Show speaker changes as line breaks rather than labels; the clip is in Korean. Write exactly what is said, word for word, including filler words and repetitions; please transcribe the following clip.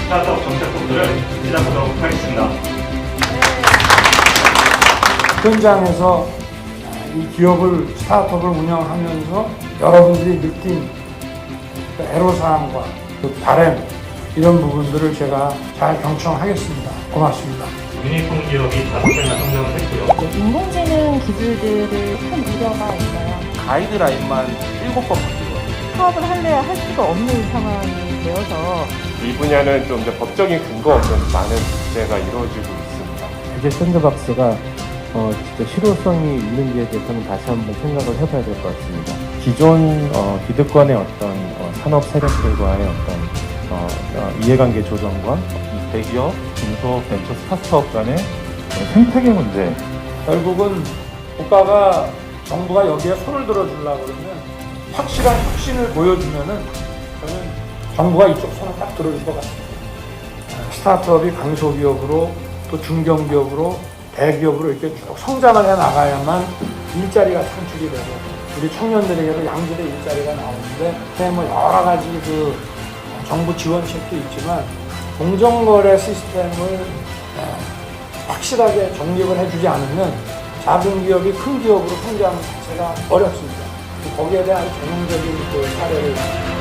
스타트업 정책본부를 시작하도록 하겠습니다.
현장에서 이 기업을, 스타트업을 운영하면서 여러분들이 느낀 그 애로사항과 그 바램, 이런 부분들을 제가 잘 경청하겠습니다. 고맙습니다.
유니콘 기업이 다섯 개나 성장을 했고요.
인공지능 기술들을 큰 우려가 있어요.
가이드라인만 일곱 번 바뀌고
사업을 할래야 할 수가 없는 상황이 되어서
이 분야는 좀 이제 법적인 근거 없는 많은 규제가 이루어지고 있습니다.
규제 샌드박스가 어, 진짜 실효성이 있는지에 대해서는 다시 한번 생각을 해봐야 될 것 같습니다. 기존 어, 기득권의 어떤 어, 산업 세력들과의 어떤 어, 어, 이해관계 조정과 이 대기업, 중소, 벤처, 스타트업 간의 어, 생태계 문제.
결국은 국가가, 정부가 여기에 손을 들어주려고 그러면 확실한 혁신을 보여주면은 저는 정부가 이쪽 손을 딱 들어줄 것 같습니다. 스타트업이 강소기업으로 또 중견기업으로 대기업으로 이렇게 쭉 성장을 해 나가야만 일자리가 창출이 되고 우리 청년들에게도 양질의 일자리가 나오는데 뭐 여러 가지 그 정부 지원책도 있지만 공정거래 시스템을 확실하게 정립을 해주지 않으면 작은 기업이 큰 기업으로 성장하는 자체가 어렵습니다. 거기에 대한 전형적인 그 사례를